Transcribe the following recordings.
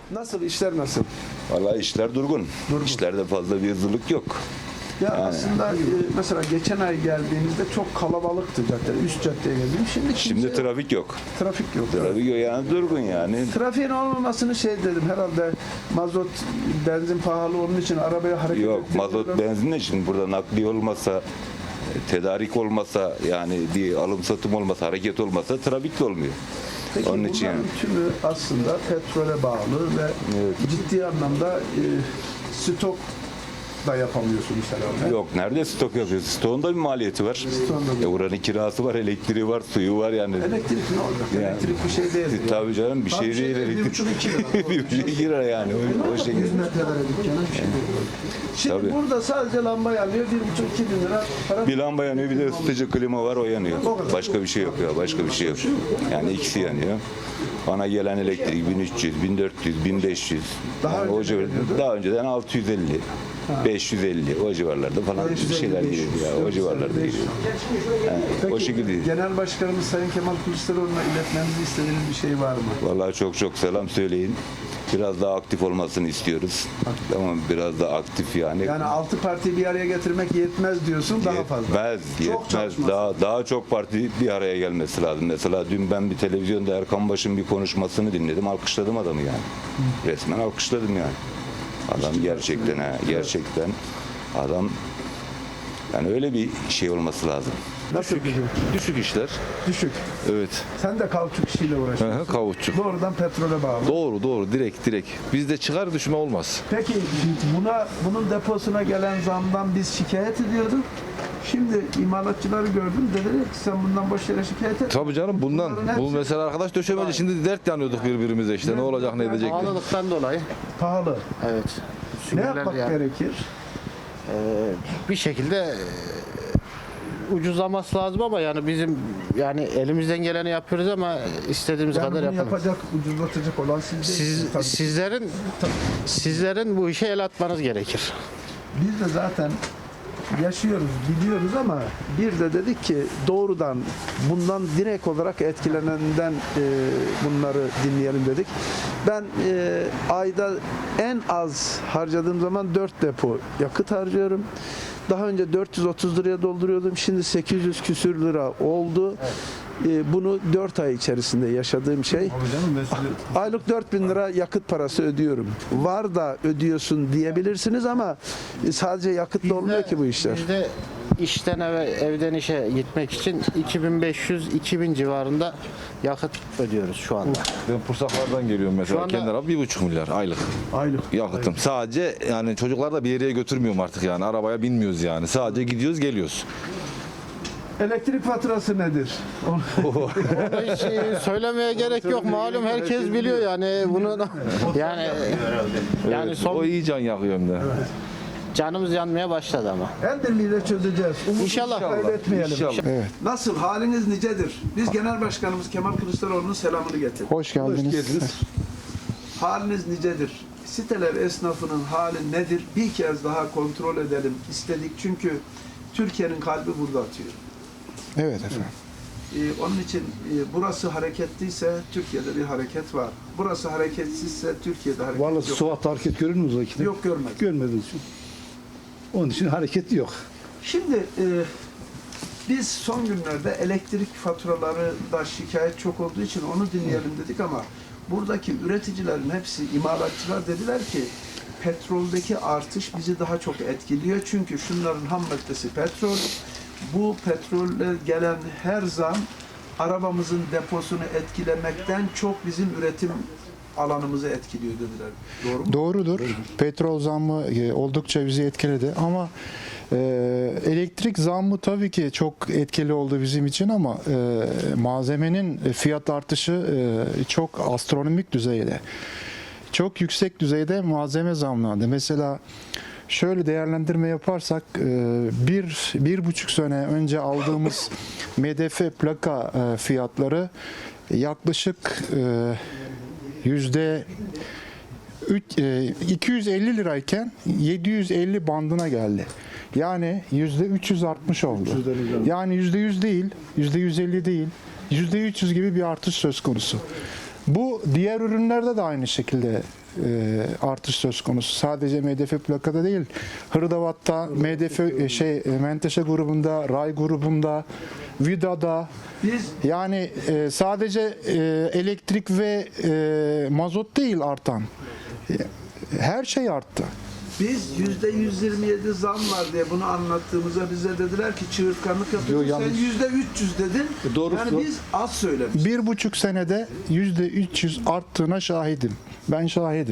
Nasıl, işler nasıl? Vallahi işler durgun. İşlerde fazla bir hızlılık yok. Ya aslında mesela geçen ay geldiğimizde çok kalabalıktı cadde. Üst caddeye geldim. Şimdi trafik yok. trafik yok. Trafik yok yani durgun yani. Trafiğin olmamasını dedim herhalde mazot, benzin pahalı onun için arabaya hareket Yok ettirmiyorlar. mazot benzinle şimdi burada nakliye olmasa, tedarik olmasa yani bir alım satım olmasa, hareket olmasa trafik de olmuyor. Peki Onun için bunların tümü aslında petrole bağlı ve ciddi anlamda stok da yapamıyorsunuz herhalde. yok nerede stok yapıyoruz? Stoğun da bir maliyeti var. Stoğun da Oranın kirası var, elektriği var, suyu var yani. Elektrik ne olacak? Yani- Elektrik bir şey değil. Tabii canım bir şey değil. 1,5-2 lira. Bir buçuk lira yani o şekilde. Hizmetlere dükkana bir şey değil. Şimdi Tabii. burada sadece lamba yanıyor 1,5-2 bin lira para. Bir lamba yanıyor bir de ısıtıcı klima var o yanıyor. Başka bir şey yok ya başka bir şey yok. Yani ikisi yanıyor. Bana gelen elektrik 1300, 1400, 1500. Daha Yani o önce civar, ne geliyordu? daha önceden 650, 550 o civarlarda falan bir şeyler geliyordu ya. O civarlarda geliyordu. Yani o şekilde. Genel Başkanımız Sayın Kemal Kılıçdaroğlu'na iletmenizi istediğiniz bir şey var mı? Vallahi çok selam söyleyin. Biraz daha aktif olmasını istiyoruz. Tamam biraz daha aktif yani. Yani 6 partiyi bir araya getirmek yetmez diyorsun, daha fazla. Yetmez. çalışması. Daha çok parti bir araya gelmesi lazım. Mesela dün ben bir televizyonda Erkan Baş'ın bir konuşmasını dinledim. Alkışladım adamı yani. Resmen alkışladım yani. Adam gerçekten adam yani öyle bir şey olması lazım. Nasıl bir şey? Düşük işler. Düşük. Evet. Sen de kauçuk işiyle uğraşıyorsun. Kavutçuk. Doğrudan petrole bağlı. Doğru direkt. Bizde çıkar düşme olmaz. Peki bunun deposuna gelen zamdan biz şikayet ediyorduk. Şimdi imalatçıları gördüm. Dediler ki sen bundan boş yere şikayet et. Tabii canım bundan. Bunların Bu hepsi mesela arkadaş döşemeci şimdi dert yanıyorduk birbirimize işte. Ne olacak ne edecek. Pahalılıktan dolayı. pahalı. Evet. Ne Süngerler yapmak ya. gerekir? Bir şekilde ucuzlaması lazım ama yani bizim yani elimizden geleni yapıyoruz ama istediğimiz Yani kadar bunu yapamayız. yapacak, ucuzlatacak olan siz değilsiniz tabii. Sizlerin bu işe el atmanız gerekir. Biz de zaten yaşıyoruz, biliyoruz ama bir de dedik ki doğrudan bundan direkt olarak etkilenenden bunları dinleyelim dedik. Ben ayda en az harcadığım zaman 4 depo yakıt harcıyorum. Daha önce 430 liraya dolduruyordum. Şimdi 800 küsür lira oldu. Bunu 4 ay içerisinde yaşadığım şey. Aylık 4.000 lira yakıt parası ödüyorum. Var da ödüyorsun diyebilirsiniz ama sadece yakıtla olmuyor ki bu işler. Biz de işten eve, evden işe gitmek için 2500-2000 civarında yakıt ödüyoruz şu anda. Ben Pursaklar'dan geliyorum mesela. Şu anda- Kendi araba 1,5 milyar aylık. Aylık. Yakıtım. Sadece yani çocuklar da bir yere götürmüyorum artık yani. Arabaya binmiyoruz yani. Sadece gidiyoruz geliyoruz. Elektrik faturası nedir? Hiç söylemeye gerek yok. Malum herkes biliyor yani bunu yani O son iyi can yakıyor hem de. canımız yanmaya başladı ama. El birliğiyle çözeceğiz. Umudu İnşallah. kaybetmeyelim. İnşallah. Nasıl? Haliniz nicedir? Biz Genel Başkanımız Kemal Kılıçdaroğlu'nun selamını getirdik. Hoş geldiniz. Haliniz nicedir? Siteler esnafının hali nedir? Bir kez daha kontrol edelim istedik. Çünkü Türkiye'nin kalbi burada atıyor. Evet efendim. Onun için burası hareketliyse Türkiye'de bir hareket var. Burası hareketsizse Türkiye'de hareket Vallahi yok. Suat'ta hareket görür müsünüz o ikide? Yok, görmedim. Görmediniz. Onun için hareket yok. Şimdi biz son günlerde elektrik faturaları da şikayet çok olduğu için onu dinleyelim dedik ama buradaki üreticilerin hepsi, imalatçılar dediler ki petroldeki artış bizi daha çok etkiliyor. Çünkü şunların ham maddesi petrol. Bu petrolle gelen her zam arabamızın deposunu etkilemekten çok bizim üretim alanımızı etkiliyor dediler. Doğru mu? Doğrudur. Petrol zammı oldukça bizi etkiledi ama elektrik zammı tabii ki çok etkili oldu bizim için ama malzemenin fiyat artışı çok astronomik düzeyde. Çok yüksek düzeyde malzeme zamlandı. Mesela şöyle değerlendirme yaparsak bir buçuk sene önce aldığımız MDF plaka fiyatları yaklaşık %250 lirayken 750 bandına geldi. Yani %360 oldu. Yani %100 değil, %150 değil, %300 gibi bir artış söz konusu. Bu diğer ürünlerde de aynı şekilde artış söz konusu. Sadece MDF plakada değil, hırdavat'ta, Menteşe grubunda, Ray grubunda, Vida'da, Biz yani sadece elektrik ve mazot değil artan. Her şey arttı. Biz %127 zam var diye bunu anlattığımızda bize dediler ki çığırtkanlık yapıyorsun. Yo, Sen yanlış. %300 dedin. Doğrusu yani o. biz az söylemişiz. 1,5 senede %300 arttığına şahidim. Ben şahidim.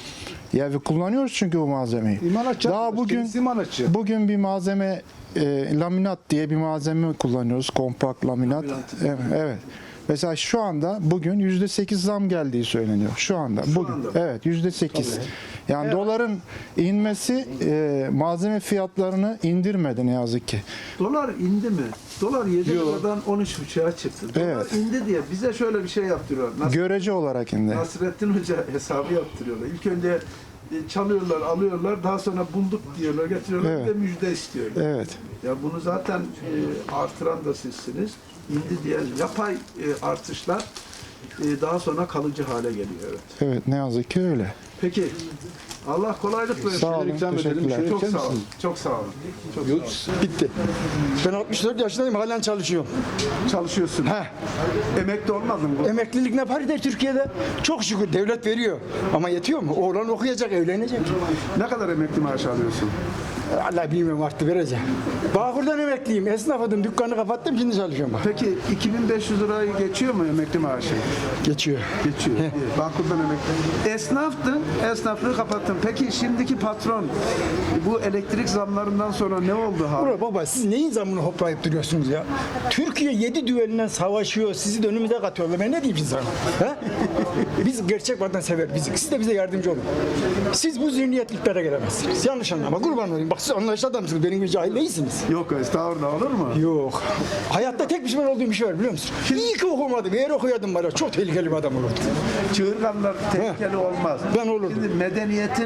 Ya ve kullanıyoruz çünkü bu malzemeyi. İmalatçı. Daha Kendisi imalatçı. bugün bir malzeme laminat diye bir malzeme kullanıyoruz. Kompakt laminat. Evet. Mesela şu anda bugün %8 zam geldiği söyleniyor. Şu anda. Bugün. anda. Evet, %8. Yani doların inmesi malzeme fiyatlarını indirmedi ne yazık ki. Dolar indi mi? Dolar 7 liradan 13,5'a çıktı. Dolar Evet. indi diye bize şöyle bir şey yaptırıyorlar. Görece olarak indi. Nasrettin Hoca hesabı yaptırıyorlar. İlk önce çalıyorlar, alıyorlar. Daha sonra bulduk diyorlar, getiriyorlar. Evet. Bir de müjde istiyorlar. Evet. Ya bunu zaten artıran da sizsiniz. İndi diye yapay artışlar daha sonra kalıcı hale geliyor. Evet. Evet, ne yazık ki öyle. Peki. Allah kolaylık versin. Sağ olun, ikram edelim, teşekkürler. şöyle- Çok Çeker sağ olun. misiniz? Çok sağ olun. Çok Yok, sağ olun. bitti. Ben 64 yaşındayım, halen çalışıyorum. Çalışıyorsun. Heh. Emekli olmadın mı? Emeklilik ne parite Türkiye'de? Çok şükür devlet veriyor. Ama yetiyor mu? Oğlan okuyacak, evlenecek. Ne kadar emekli maaşı alıyorsun? Allah bilmiyorum artık vereceğim. Bağkur'dan emekliyim. Esnafdım, dükkanı kapattım, şimdi çalışıyorum bak. Peki 2500 lirayı geçiyor mu emekli maaşı? Geçiyor. Geçiyor. İyi. Bankurdan emekli. Esnaftın, esnaflığı kapattın. Peki şimdiki patron bu elektrik zamlarından sonra ne oldu ha? Ulan baba siz neyin zamını hoplayıp duruyorsunuz ya? Türkiye 7 düvelinden savaşıyor, sizi de önümüze katıyorlar. Ben ne diyeyim size sana? He? Biz gerçek vatansever bizik. Siz de bize yardımcı olun. Siz bu zihniyetliklere gelemezsiniz. Yanlış anlama. Kurban olayım. Bak siz anlayışlı adamsınız. Benim gibi cahil değilsiniz. Yok estağfurullah olur mu? Yok. Hayatta tek pişman olduğum bir şey var biliyor musun? İyi ki okumadım. Eğer okuyordum var ya çok tehlikeli bir adam olurdum. Çığırganlar tehlikeli olmaz. Ben olurdum. Şimdi medeniyetin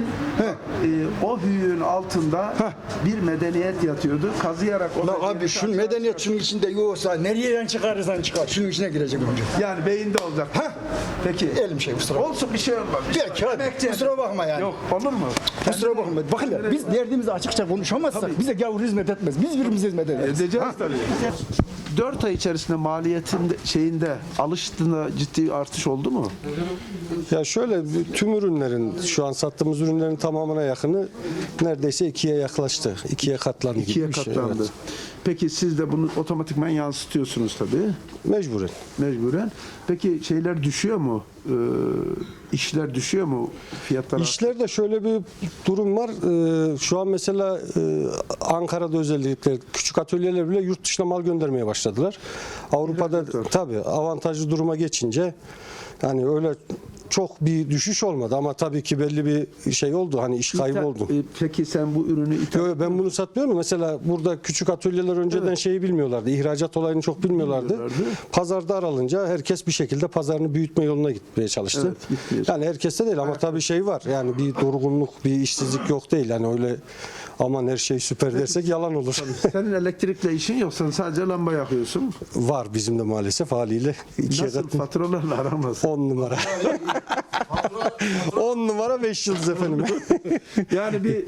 o hüyün altında bir medeniyet yatıyordu. Kazıyarak o Ulan medeniyeti abi şu aşağı- medeniyet şunun içinde yoksa nereden çıkarırsan çıkar. Şunun içine girecek önce. Yani beyinde olacak. Peki. Elim şey kusura bakma. Olsun bir şey olmaz. Peki hadi. Emekçi- Kusura bakma yani. Yok olur mu? Kusura bakma. Bakın ya, biz derdimizi açıkça konuşamazsak bize gavur hizmet etmez. Biz birbirimize hizmet ederiz. Edeceğiz tabii. 4 ay içerisinde maliyetin şeyinde alıştığında ciddi artış oldu mu? Ya şöyle tüm ürünlerin şu an sattığımız ürünlerin tamamına yakını neredeyse 2'ye yaklaştı. 2'ye katlandı gibi 2'ye bir şey. katlandı. Evet. Peki siz de bunu otomatikman yansıtıyorsunuz tabii. Mecburen. Mecburen. Peki şeyler düşüyor mu? İşler düşüyor mu? Fiyatlar İşlerde şöyle bir durum var. Şu an mesela Ankara'da özellikle küçük atölyeler bile yurt dışına mal göndermeye başladılar. Avrupa'da tabii avantajlı duruma geçince yani öyle çok bir düşüş olmadı ama tabii ki belli bir şey oldu. Hani iş kaybı oldu. Peki sen bu ürünü Yo, ben bunu satmıyorum. Mesela burada küçük atölyeler önceden şeyi bilmiyorlardı. İhracat olayını çok bilmiyorlardı. Pazarda aralınca herkes bir şekilde pazarını büyütme yoluna gitmeye çalıştı. Evet, gitmeye yani herkeste değil ama tabii şey var. Yani bir durgunluk, bir işsizlik yok değil. Yani öyle aman her şey süper dersek yalan olur. senin elektrikle işin yok. Sen sadece lamba yakıyorsun. Var bizim de maalesef haliyle. İkiye Nasıl katlı. faturalarla aramaz? 10 numara. 10 numara 5 yıldız efendim. Yani bir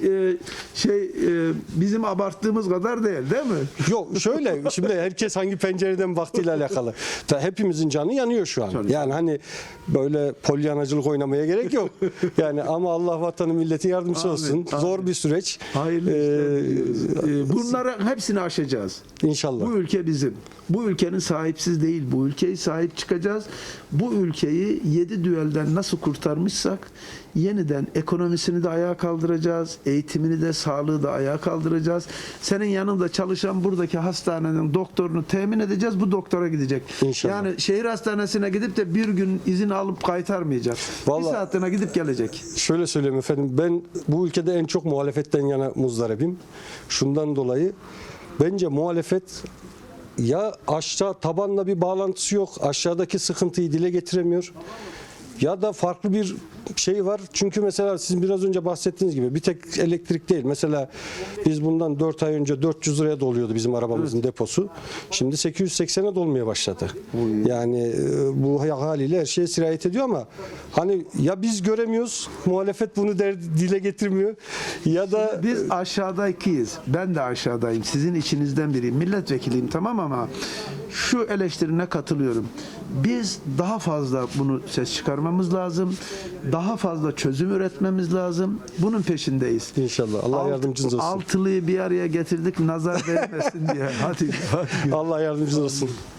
bizim abarttığımız kadar değil mi? Yok şöyle şimdi herkes hangi pencereden baktığıyla alakalı. Hepimizin canı yanıyor şu an. Yani hani böyle polyanacılık oynamaya gerek yok. Yani ama Allah vatanı milleti yardımcısı Amin, olsun. amin. Zor bir süreç. Hayırlı işler diliyoruz. Bunların hepsini aşacağız. İnşallah. Bu ülke bizim. Bu ülkenin sahipsiz değil. Bu ülkeyi sahip çıkacağız. Bu ülkeyi 7 düelden nasıl kurtarmışsak yeniden ekonomisini de ayağa kaldıracağız. Eğitimini de sağlığı da ayağa kaldıracağız. Senin yanında çalışan buradaki hastanenin doktorunu temin edeceğiz. Bu doktora gidecek. İnşallah. Yani şehir hastanesine gidip de bir gün izin alıp kaytarmayacak. Vallahi- Bir saatine gidip gelecek. Şöyle söyleyeyim efendim. Ben bu ülkede en çok muhalefetten yana muzdaribim. Şundan dolayı bence muhalefet ya aşağı tabanla bir bağlantısı yok. Aşağıdaki sıkıntıyı dile getiremiyor. ya da farklı bir şey var. Çünkü mesela sizin biraz önce bahsettiğiniz gibi bir tek elektrik değil. Mesela biz bundan 4 ay önce 400 liraya doluyordu bizim arabamızın deposu. Şimdi 880'e dolmaya başladı. Yani bu haliyle her şeye sirayet ediyor ama hani ya biz göremiyoruz, muhalefet bunu dile getirmiyor ya da Biz aşağıdakiyiz. Ben de aşağıdayım. Sizin içinizden biriyim. Milletvekiliyim tamam ama şu eleştirine katılıyorum. Biz daha fazla bunu ses çıkarmamız lazım. Daha fazla çözüm üretmemiz lazım. Bunun peşindeyiz. İnşallah. Allah yardımcınız olsun. Altılıyı bir araya getirdik nazar değmesin diye. Hadi. Allah yardımcınız olsun.